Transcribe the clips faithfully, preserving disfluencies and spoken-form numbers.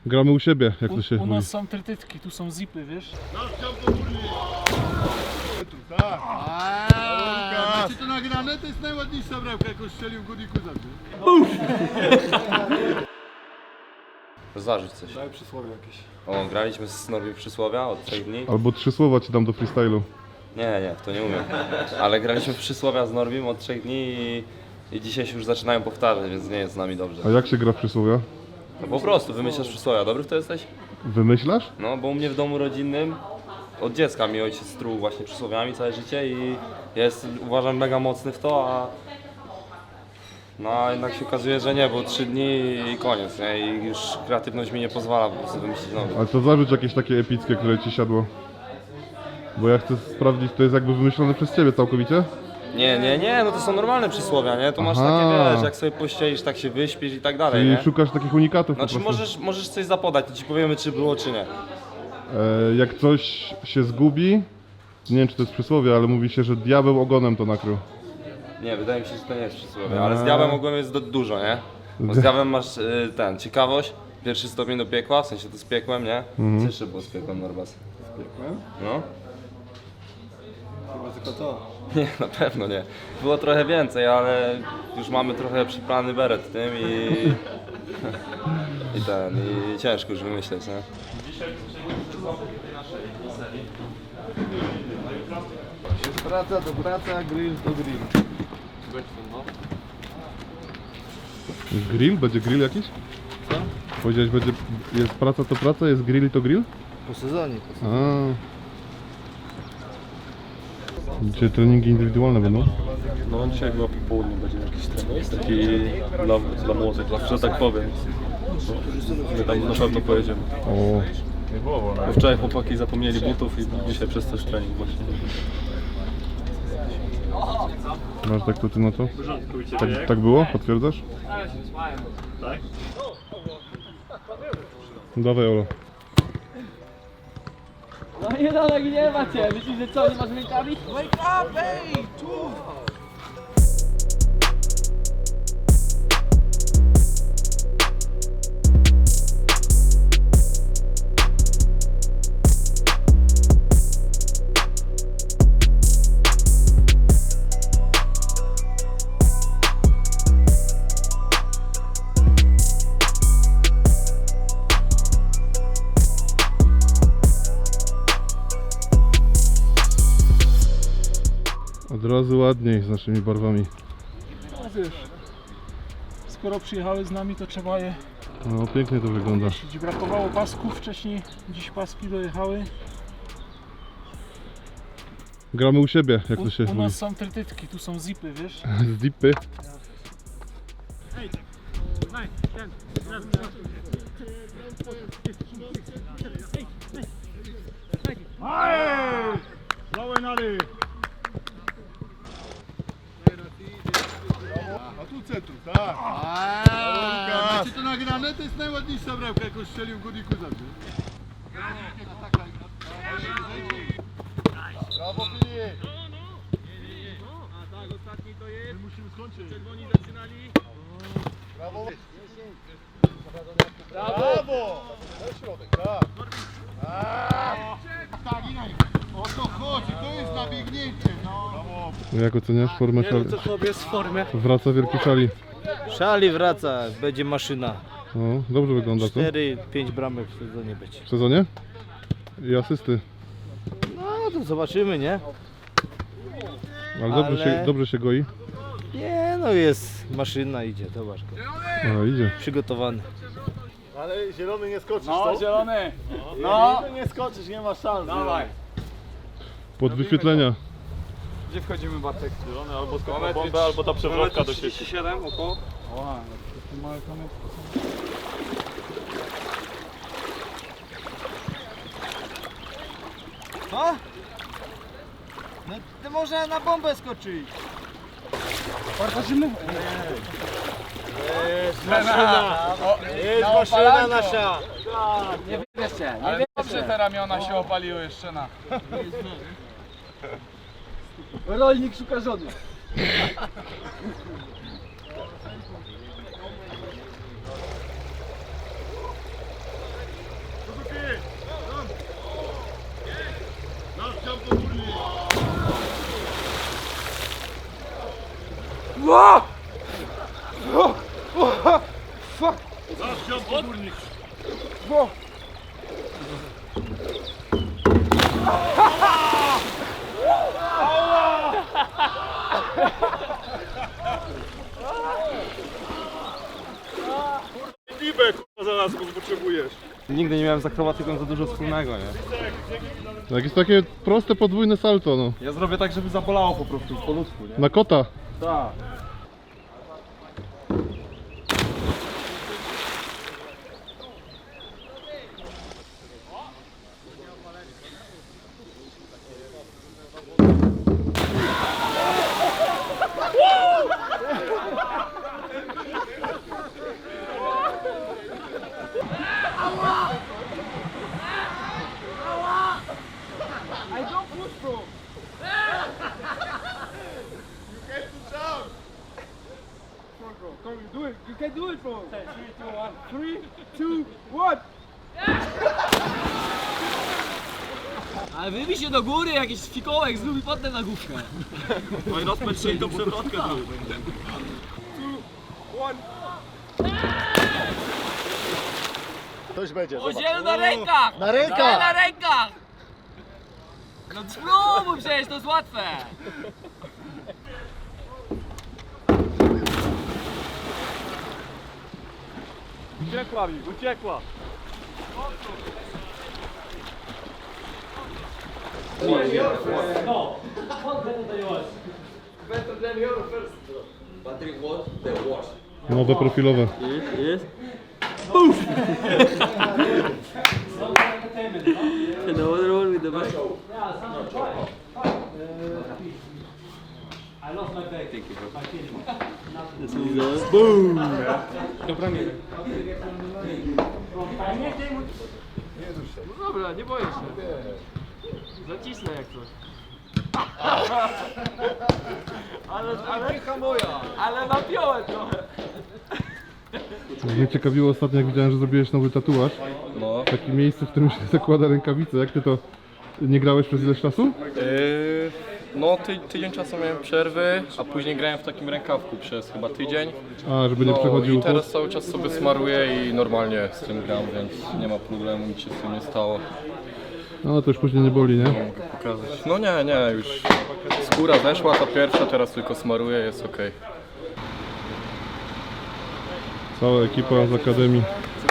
Gramy u siebie, jak to się U, u mówi. nas są trytytki, tu są zipy, wiesz? Tak. Aaaa, macie to nagrane? To jest najładniejsza bramka, jaką strzelił Gudiku zawsze. Zarzuć coś. Daj przysłowie jakieś. O, graliśmy z Norbim przysłowia od trzech dni. Albo trzy słowa ci dam do freestylu. Nie, nie, w to nie umiem. Ale graliśmy w przysłowia z Norbim od trzech dni i, i dzisiaj się już zaczynają powtarzać, więc nie jest z nami dobrze. A jak się gra w przysłowia? No po prostu wymyślasz przysłowia. Dobry w to jesteś? Wymyślasz? No, bo u mnie w domu rodzinnym od dziecka mi ojciec struł właśnie przysłowiami całe życie i ja jest, uważam, mega mocny w to, a no a jednak się okazuje, że nie, bo trzy dni i koniec, nie? I już kreatywność mi nie pozwala po prostu wymyślić nowy. Ale to zarzuć jakieś takie epickie, które ci siadło. Bo ja chcę sprawdzić, to jest jakby wymyślone przez ciebie całkowicie? Nie, nie, nie, no to są normalne przysłowia, nie? Tu masz Aha. takie, wiesz, jak sobie pościelisz, tak się wyśpisz i tak dalej, Czyli nie? szukasz takich unikatów po Znaczy prostu. możesz, możesz coś zapodać, to ci powiemy, czy było, czy nie. E, jak coś się zgubi, nie wiem czy to jest przysłowie, ale mówi się, że diabeł ogonem to nakrył. Nie, wydaje mi się, że to nie jest przysłowie, ale z diabłem ogólnie jest do, dużo, nie? Bo z diabłem masz y, ten, ciekawość, pierwszy stopień do piekła, w sensie to z piekłem, nie? Co jeszcze było z piekłem, Norbas? Piekłem? No? Chyba tylko to. Nie, na pewno nie. Było trochę więcej, ale już mamy trochę przyplany beret tym i... I ten, i ciężko już wymyśleć, nie? Jest praca to praca, grill to grill. Grill? Będzie grill jakiś? Co? Powiedziałeś, będzie, jest praca to praca, jest grill to grill? Po sezonie. Po sezonie. A. Dzisiaj treningi indywidualne będą? No dzisiaj chyba po południu będzie jakiś trening taki dla, dla młodych, że tak powiem. My tam na pewno pojedziemy. O. Bo wczoraj chłopaki zapomnieli butów i dzisiaj przez też trening właśnie. Masz tak to ty na to? Tak, tak było? Potwierdzasz? Tak? Dawaj Olo. No nie no, tak nie macie. Myślisz, że co, nie masz rękawi? Wake up, ej! Tu! Od razu ładniej z naszymi barwami. No wiesz, skoro przyjechały z nami, to trzeba je No pięknie to wygląda. nosić. Brakowało pasków wcześniej, dziś paski dojechały. Gramy u siebie, jak U, to się u mówi. nas są trytytki, tu są zipy, wiesz? Z dipy. A tu centrum, tak. Aaaa, macie to nagrane? To jest najładniejsza bramka, jaką strzelił Gudiku zawsze. Brawo Filip! My musimy skończyć. Czerwoni zaczynali. Brawo! Brawo! Na środek, tak. Aaaa! Tak, o to chodzi, to jest nabiegnięcie, no. Brawo! Jak oceniasz formę szali? To chłop jest w formie. Wraca wielki szali. Szali wraca, będzie maszyna. No, dobrze wygląda to. cztery pięć bramek w sezonie będzie. W sezonie? I asysty. No to zobaczymy, nie? Ale dobrze, Ale- się, dobrze się goi. Nie no, jest maszyna, idzie, zobacz go. A, idzie. Przygotowany. Ale zielony nie skoczysz, No, co? zielony! No! Nie skoczysz, nie ma szans. Dawaj! Pod wyświetlenia. Gdzie wchodzimy, Bartek? Zielony albo skok na bombę, albo ta przewrotka do sieci. siedem około? O, takie małe kamyczki są. Co? No to można na bombę skoczyć. Bartoszymy? Jest maszyna! Jest maszyna nasza! Nie jeszcze, nie Ale dobrze te ramiona się opaliły jeszcze na... Rolnik szuka żony. Nigdy nie miałem z akrobatyką za dużo wspólnego, nie? Jakieś takie proste podwójne salto, no. Ja zrobię tak, żeby zabolało po prostu po ludzku, nie? Na kota. Tak. Ale wybij się do góry, jakiś fikołek zlubi potem na główkę. No i rozpędź się i do przewrotka zrób. Coś będzie, zobacz. Udzielu na rękach! Na rękach! Daj na rękach! No spróbuj przecież, to jest łatwe! Uciekła mi, uciekła. Nowe profilowe. No other one with the bike. No dobra, nie boję się. Zacisnę jak coś. Ale, ale, ale napiąłem trochę. Mnie ciekawiło ostatnio, jak widziałem, że zrobiłeś nowy tatuaż. No. Takie miejsce, w którym się zakłada rękawice. Jak ty to... Nie grałeś przez ileś czasu? Yy, no ty, tydzień czasu miałem przerwy, a później grałem w takim rękawku przez chyba tydzień. A, żeby nie No przechodził i teraz pot? cały czas sobie smaruję i normalnie z tym gram, więc nie ma problemu, nic się z tym nie stało. No to już później nie boli, nie? Mogę pokazać. No nie, nie, już skóra zeszła, ta pierwsza, teraz tylko smaruję, jest ok. Cała ekipa z Akademii.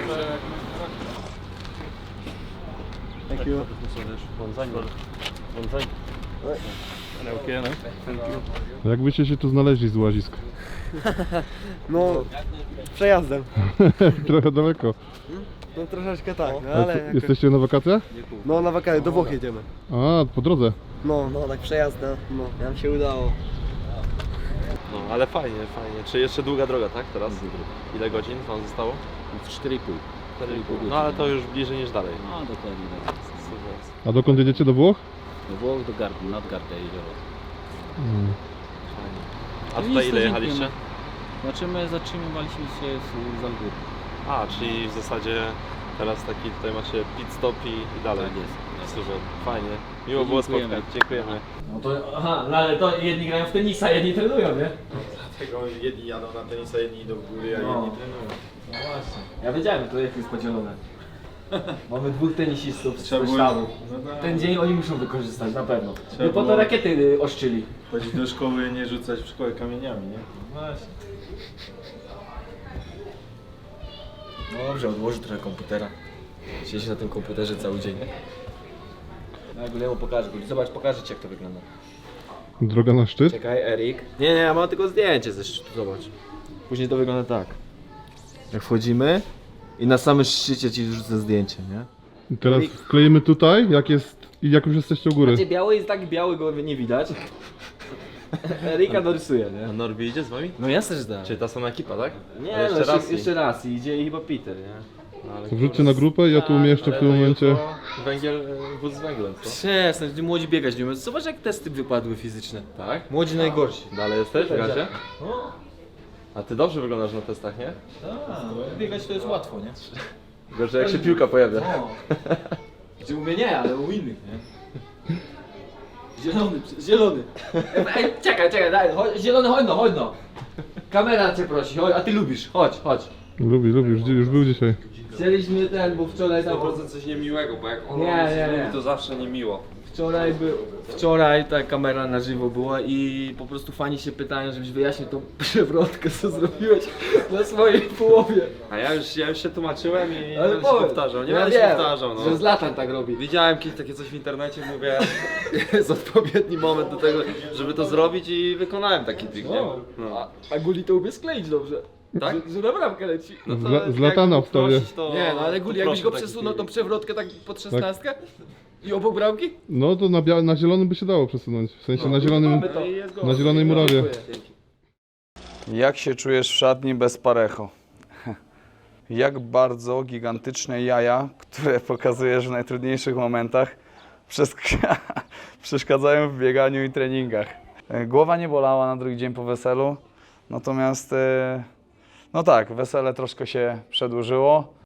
Jak byście się tu znaleźli z łazisk? No, przejazdem. Trochę daleko. No troszeczkę tak, no, A ale co, jakoś... jesteście na wakacjach? No na wakacje, do Włoch jedziemy. A, po drodze. No, no tak przejazdem. No, nam się udało. No, ale fajnie, fajnie. Czy jeszcze długa droga, tak? Teraz? Ile godzin wam zostało? cztery i pół. cztery i pół godziny. No ale to już bliżej niż dalej. No dokładnie tak. A dokąd jedziecie? Do Włoch? Do Włoch, do Gardy, nad Gardę jezioro. Mm. A No tutaj nic, ile to jechaliście? dziękujemy. Znaczy my zatrzymywaliśmy się z, z Algóry. A, czyli w zasadzie teraz taki tutaj macie pit stop i, i dalej. Tak jest. Super, fajnie. Miło było Dziękujemy. spotkać, dziękujemy. No to, aha, no ale to jedni grają w tenisa, jedni trenują, nie? Dlatego jedni jadą na tenisa, jedni idą w góry, a No. jedni trenują. No właśnie. Ja wiedziałem, że to jak jest podzielone. Mamy dwóch tenisistów z Trzeba było- sztabu. no tak. Ten dzień oni muszą wykorzystać, na pewno. Trzeba No po to było- rakiety y, oszczyli. Chodzić do szkoły, nie rzucać w szkole kamieniami, nie? Właśnie. No dobrze, odłożę trochę komputera. Siedzi na tym komputerze cały dzień. No jak Guillermo pokażę, zobacz, pokażę ci jak to wygląda. Droga na szczyt? Czekaj, Erik. Nie, nie, ja mam tylko zdjęcie ze szczytu, zobacz. Później to wygląda tak. Jak wchodzimy i na samym szczycie ci wrzucę zdjęcie, nie? I teraz wklejemy tutaj, jak jest... I jak już jesteście u góry. Znaczy biały jest tak biały, go nie widać. Erika dorysuje, nie? A Norbi idzie z wami? No jasne, że da. Czyli ta sama ekipa, tak? Nie, Ale no jeszcze jeszcze, raz i- jeszcze raz i idzie chyba Peter, nie? No, ale To wrzućcie na grupę i ja tu umieszczę w ale tym to momencie. jutro Węgiel, e, wóz z węglem, co? Przestań, ci młodzi biegać nie umieją. Zobacz jak testy wypadły fizyczne. Tak? Młodzi najgorsi. Dalej jesteś w gazie? No, A ty dobrze wyglądasz na testach, nie? tak. Biegać to jest łatwo, nie? Gorzej jak się piłka pojawia. No. Gdzie u mnie nie, ale u innych, nie? Zielony, zielony. Ej, czekaj, czekaj, daj, chodź, zielony, chodź no, chodź no. Kamera cię prosi, chodź, a ty lubisz, chodź, chodź. Lubi, lubi, już, już był dzisiaj. Chcieliśmy ten, bo wczoraj tam... sto procent coś niemiłego, bo jak on Nie, nie, nie. lubi, to zawsze niemiło. Wczoraj był, wczoraj ta kamera na żywo była i po prostu fani się pytają, żebyś wyjaśnił tą przewrotkę, co zrobiłeś na swojej połowie. A ja już, ja już się tłumaczyłem i nie Ale będę się powiedz. powtarzał, nie Ja będę się wiem, powtarzał, no. że Zlatan tak robi. Widziałem kiedyś takie coś w internecie, mówię, jest odpowiedni moment do tego, żeby to zrobić i wykonałem taki trik, nie? No. A, a Guli to umie skleić dobrze. Tak? Że, że na bramkę leci. No to Zla- jak Zlatana wstawię. prosić, to- Nie, no ale to Guli, jakbyś proszę go taki przesunął tą trik. przewrotkę tak pod szesnastkę i obok bramki? No to na, bia- na zielonym by się dało przesunąć. W sensie na zielonym, Mamy to. na zielonej murawie. Jak się czujesz w szatni bez parecho? Jak bardzo gigantyczne jaja, które pokazujesz w najtrudniejszych momentach, przesk- przeszkadzają w bieganiu i treningach. E, Głowa nie bolała na drugi dzień po weselu, natomiast e, no tak, wesele troszkę się przedłużyło.